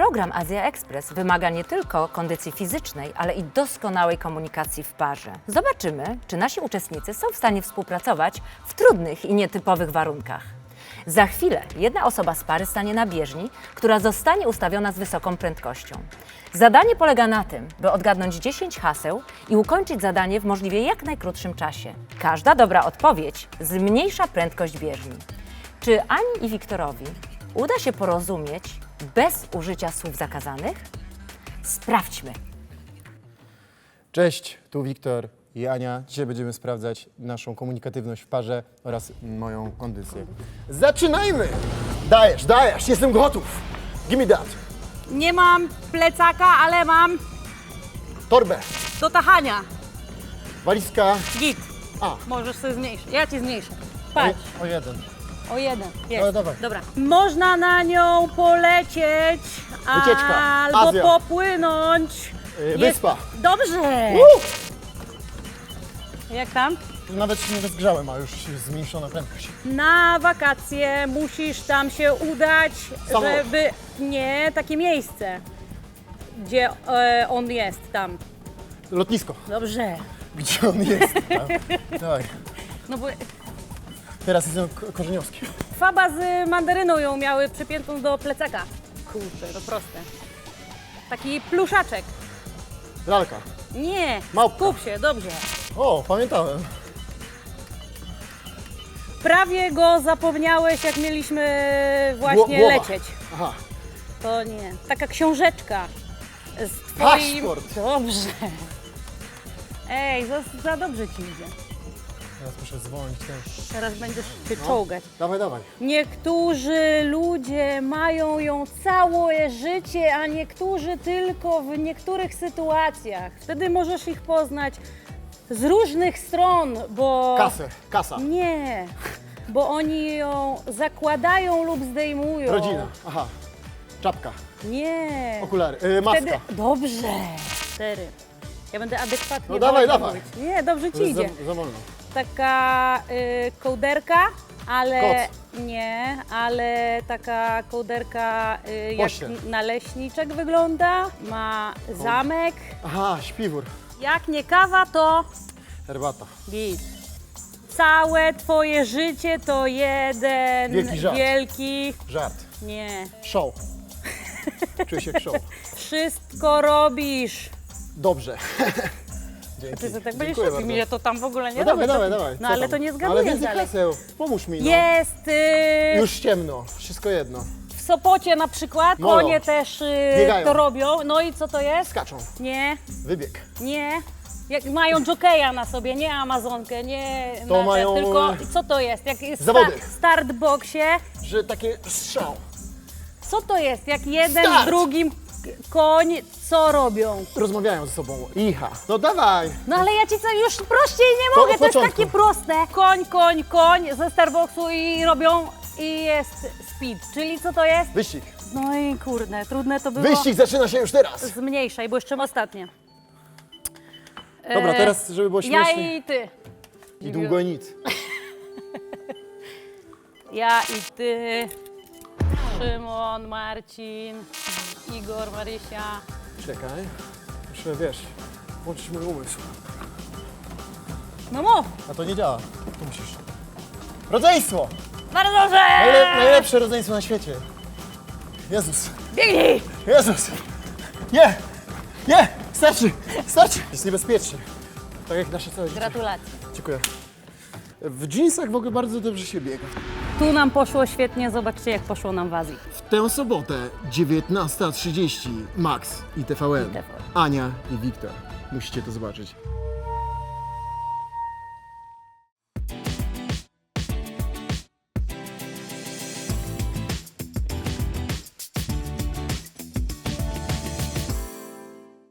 Program Azja Express wymaga nie tylko kondycji fizycznej, ale i doskonałej komunikacji w parze. Zobaczymy, czy nasi uczestnicy są w stanie współpracować w trudnych i nietypowych warunkach. Za chwilę jedna osoba z pary stanie na bieżni, która zostanie ustawiona z wysoką prędkością. Zadanie polega na tym, by odgadnąć 10 haseł i ukończyć zadanie w możliwie jak najkrótszym czasie. Każda dobra odpowiedź zmniejsza prędkość bieżni. Czy Ani i Wiktorowi uda się porozumieć bez użycia słów zakazanych? Sprawdźmy. Cześć, tu Wiktor i Ania. Dzisiaj będziemy sprawdzać naszą komunikatywność w parze oraz moją kondycję. Zaczynajmy! Dajesz, jestem gotów. Give me that. Nie mam plecaka, ale mam Torbę, do tachania. walizka. Git. A. Możesz sobie zmniejszyć. Ja ci zmniejszę. Patrz. O jeden. O jeden. Jest. No, dawaj. Dobra. Można na nią polecieć. Wycieczka. Albo Azja. popłynąć. Wyspa. Dobrze. Jak tam? Nawet się nie rozgrzałem, a już zmniejszona prędkość. Na wakacje musisz tam się udać, Samolot. żeby... Nie, takie miejsce, gdzie on jest tam. Lotnisko. Dobrze. Gdzie on jest? Dawaj. No bo Teraz jestem korzeniowski. Faba z mandaryną ją miały przypiętą do plecaka. Kurczę, to proste. Taki pluszaczek. Lalka. Nie, Małpka. skup się, dobrze. O, pamiętałem. Prawie go zapomniałeś, jak mieliśmy właśnie Głowa. lecieć. Aha. To nie. Taka książeczka z twoim... Paszport. Dobrze. Ej, za dobrze ci idzie. Teraz muszę zwolnić też. Teraz będziesz się czołgać. Dawaj. Niektórzy ludzie mają ją całe życie, a niektórzy tylko w niektórych sytuacjach. Wtedy możesz ich poznać z różnych stron, bo... Kasa. Nie, bo oni ją zakładają lub zdejmują. Rodzina. Aha. Czapka. Nie. Okulary. Maska. Wtedy... Dobrze. 4. Ja będę adekwatnie... No dawaj. mówić. Nie, dobrze To ci jest idzie. za wolno. Taka kołderka, ale Koc. nie, ale taka kołderka jak Pościel. naleśniczek wygląda, ma zamek. Aha, śpiwór. Jak nie kawa, to Herbata. git. Całe twoje życie to jeden Wielki żart. wielki... Żart. Nie. Show. Czuję się jak show. Wszystko robisz. Dobrze. Dzięki. Ty tak będziesz Dziękuję robił, bardzo. mnie to tam w ogóle nie No dawaj, robię. dawaj. No Co ale tam? to nie Ale zgaduję więcej dalej. haseł. Pomóż mi, no. Jest Już ciemno. Wszystko jedno. w Sopocie na przykład, Molo. konie też Biegają. to robią. No i co to jest? Skaczą. Nie, Wybieg. nie. Jak mają jokeja na sobie, nie amazonkę, nie To na te, mają, tylko co to jest? Jak jest zawody. w startboxie, Że takie strzał. co to jest? Jak jeden Start. z drugim koń, co robią? Rozmawiają ze sobą. Icha. No dawaj. No ale ja ci co, już prościej nie To mogę, od to jest początku. takie proste. Koń ze startboxu i robią i jest speed, czyli co to jest? Wyścig. No i kurde, trudne to było. Wyścig zaczyna się już teraz. Zmniejszaj, bo jeszcze ostatnie. Dobra, teraz, żeby było Ja śmiesznie. i ty. I długo i nic. Ja i ty. Szymon, Marcin, Igor, Marysia. Czekaj. Muszę, wiesz, włączyć mój umysł. No mów. A to nie działa. Tu musisz. Rodzeństwo! Bardzo dobrze! Najlepsze rodzeństwo na świecie. Jezus. Biegnij! Jezus! Nie! Starczy! Jest niebezpiecznie. Tak jak nasze całe życie. Gratulacje. Dziękuję. W jeansach w ogóle bardzo dobrze się biega. Tu nam poszło świetnie, zobaczcie jak poszło nam w Azji. W tę sobotę 19:30 Max i TVN. I TVN. Ania i Wiktor. Musicie to zobaczyć.